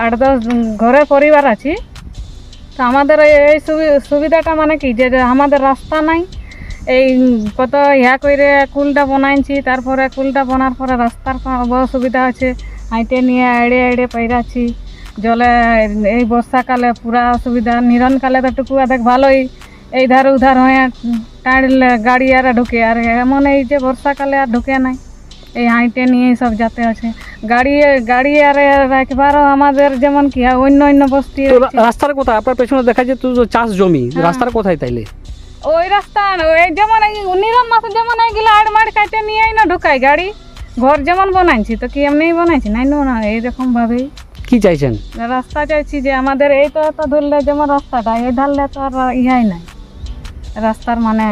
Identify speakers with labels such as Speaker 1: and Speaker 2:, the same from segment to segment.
Speaker 1: 8-10 ঘরে পরিবার আছি। তো আমাদের এই সুবিধাটা মানে কি যে আমাদের রাস্তা নাই, এই কত করে কুলটা বানাইছি, তারপরে কুলটা বানার পরে রাস্তার বড় সুবিধা আছে, হাইটে নিয়ে এড়ে এড়ে পাইরাছি। জলে এই বর্ষাকালে পুরা অসুবিধা, নিরনকালে তো টুকু দেখ ভালোই, এই ধার উধার হয়ে টাড়লে গাড়ি আর ঢুকে, আর এমন এই যে বর্ষাকালে আর ঢুকে নাই, এই হাইটে নিয়ে সব যাতে আছে। গাড়ি আর একবারও আমাদের যেমন কি অন্য বস্তি।
Speaker 2: রাস্তার কোথায় আপনার পেছনে দেখা যায় তো চাষ জমি, রাস্তার কোথায় তাইলে?
Speaker 1: ওই রাস্তা ওই যেমন নিরন মাসে যেমন এইগুলো আড় মাড় কাটে নিয়ে না ঢুকাই গাড়ি, ঘর যেমন বানাইছি তো কি এমনি বানাইছি নাই না, এইরকম ভাবেই।
Speaker 2: কি চাইছেন?
Speaker 1: রাস্তা চাইছি যে আমাদের এই তো ধরলে যেমন রাস্তাটা এই ধারলে তো আর ইহাই নাই, রাস্তার মানে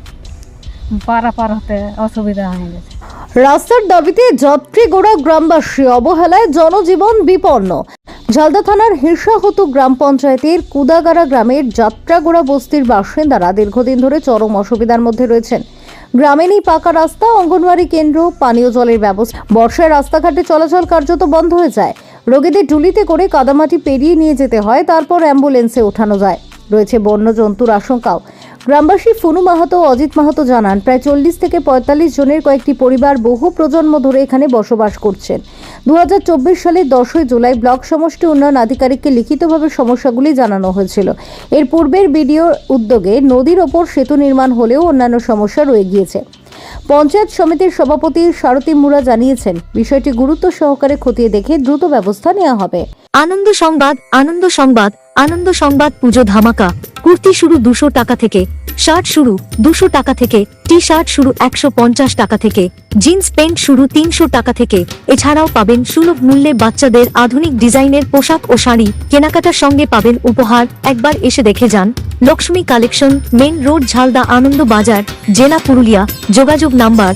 Speaker 1: পারাপার হতে অসুবিধা হয়ে গেছে।
Speaker 3: রাস্তার দাবিতে যাত্রীগোড়া গ্রামবাসী, অবহেলায় জনজীবন বিপন্ন। ঝালদা থানার হিরসাহতু গ্রাম পঞ্চায়েতের কুদাগাড়া গ্রামের যাত্রাগোড়া বস্তির বাসিন্দারা দীর্ঘদিন ধরে চরম অসুবিধার মধ্যে রয়েছেন। গ্রামে নেই পাকা রাস্তা, অঙ্গনওয়াড়ি কেন্দ্র, পানীয় জলের ব্যবস্থা। বর্ষায় রাস্তাঘাটে চলাচল কার্যত বন্ধ হয়ে যায়। রোগীদের টুলিতে করে কাদামাটি পেরিয়ে নিয়ে যেতে হয়, তারপর অ্যাম্বুলেন্সে ওঠানো যায়। রয়েছে বন্য জন্তুর আশঙ্কাও। গ্রামবাসী ফুনু মাহাতো, অজিত মাহাতো জানান, প্রায় 40 থেকে 45 জনের কয়েকটি পরিবার বহু প্রজন্ম ধরে এখানে বসবাস করছেন। 2024 সালের 10ই জুলাই ব্লক সমষ্টি উন্নয়ন আধিকারিককে লিখিতভাবে সমস্যাগুলি জানানো হয়েছিল। এর পূর্বের বিডিওর উদ্যোগে নদীর ওপর সেতু নির্মাণ হলেও অন্যান্য সমস্যা রয়ে গিয়েছে। পঞ্চায়েত সমিতির সভাপতি সারথী মুরা জানিয়েছেন, বিষয়টি গুরুত্ব সহকারে খতিয়ে দেখে দ্রুত ব্যবস্থা নেওয়া হবে।
Speaker 4: আনন্দ সংবাদ, আনন্দ সংবাদ, আনন্দ সংবাদ। পুজো ধামাকা। কুর্তি শুরু 200 টাকা থেকে, শার্ট শুরু 200 টাকা থেকে, টি শার্ট শুরু 150 টাকা থেকে, জিন্স প্যান্ট শুরু 300 টাকা থেকে। এছাড়াও পাবেন সুলভ মূল্যে বাচ্চাদের আধুনিক ডিজাইনের পোশাক ও শাড়ি। কেনাকাটার সঙ্গে পাবেন উপহার। একবার এসে দেখে যান। Lakshmi collection, main road, Jhalda, Ananda Bazar, জেলা পুরুলিয়া। যোগাযোগ নাম্বার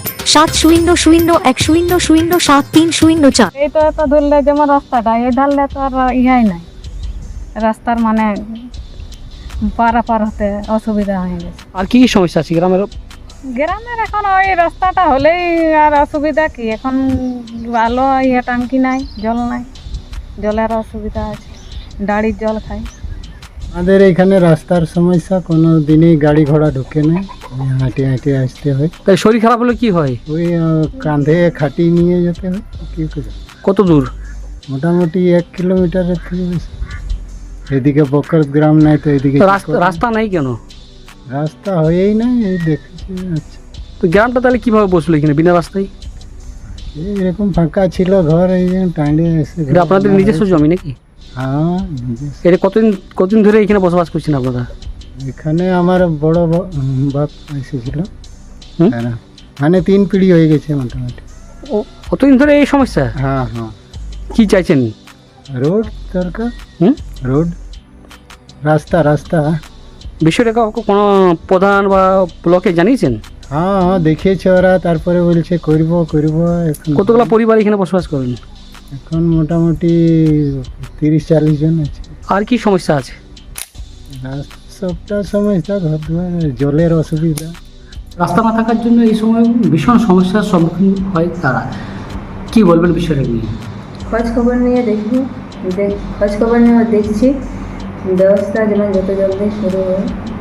Speaker 4: 700100073004।
Speaker 1: এই তো ধরলে যেমন রাস্তাটা এই ধারলে তো আর ইহাই নাই, রাস্তার মানে পারাপার হতে অসুবিধা হয়ে গেছে।
Speaker 2: আর কি কি সমস্যা আছে গ্রামের?
Speaker 1: গ্রামের এখন ওই রাস্তাটা হলেই আর অসুবিধা কি, এখন আলো ইয়ে টাঙ্কি নাই, জল নাই, জলের অসুবিধা আছে, ডাড়ির জল খাই।
Speaker 5: আমাদের এখানে রাস্তার সমস্যা, কোনো দিনেই গাড়ি ঘোড়া ঢুকে না, হাঁটে হাঁটে আসতে হয়।
Speaker 2: তাই শরীর খারাপ হলে কি হয়?
Speaker 5: ওই কাঁধে খাটি নিয়ে যেতে হয়। কি করে?
Speaker 2: কত দূর?
Speaker 5: মোটামুটি 1 কিলোমিটারের থেকে বেশি। এদিকে বকর গ্রাম নাই তো এদিকে
Speaker 2: তো রাস্তা নাই কেন?
Speaker 5: রাস্তা হয়েই নাই, এই দেখেছি। আচ্ছা,
Speaker 2: তো গ্রামটা তাহলে কিভাবে বসলো এখানে বিনা রাস্তায়?
Speaker 5: এরকম ফাঁকা ছিল ঘর, এই যে টাইডে এসে।
Speaker 2: এটা আপনাদের নিজস্ব জমি নাকি?
Speaker 5: হ্যাঁ, নিজস্ব।
Speaker 2: এটা কতদিন ধরে এখানে বসবাস করছেন আপনারা?
Speaker 5: এখানে আমার বড় বাপ এসেছিল,
Speaker 2: হুম?
Speaker 5: মানে 3 পিঢ়ি হয়ে গেছে মোটামুটি।
Speaker 2: ও, কতদিন ধরে এই সমস্যা?
Speaker 5: হ্যাঁ হ্যাঁ।
Speaker 2: কি চাইছেন?
Speaker 5: রোড দরকার। রোড, রাস্তা।
Speaker 2: বিষয়টা কোনো প্রধান বা ব্লকে জানিয়েছেন?
Speaker 5: হ্যাঁ হ্যাঁ, দেখিয়েছে ওরা, তারপরে বলছে করব। এখন
Speaker 2: কতগুলো পরিবার এখানে বসবাস করেন?
Speaker 5: এখন মোটামুটি 30-40 জন আছে।
Speaker 2: আর কি সমস্যা আছে?
Speaker 5: সবটা সমস্যা, ঘর দুয়ার, জলের অসুবিধা।
Speaker 2: রাস্তা না থাকার জন্য এই সময় ভীষণ সমস্যার সম্মুখীন হয় তারা। কি বলবেন বিষয়টা নিয়ে?
Speaker 6: খোঁজ খবর নিয়ে দেখছি, ব্যবস্থা যেন যত জলদি শুরু হয়।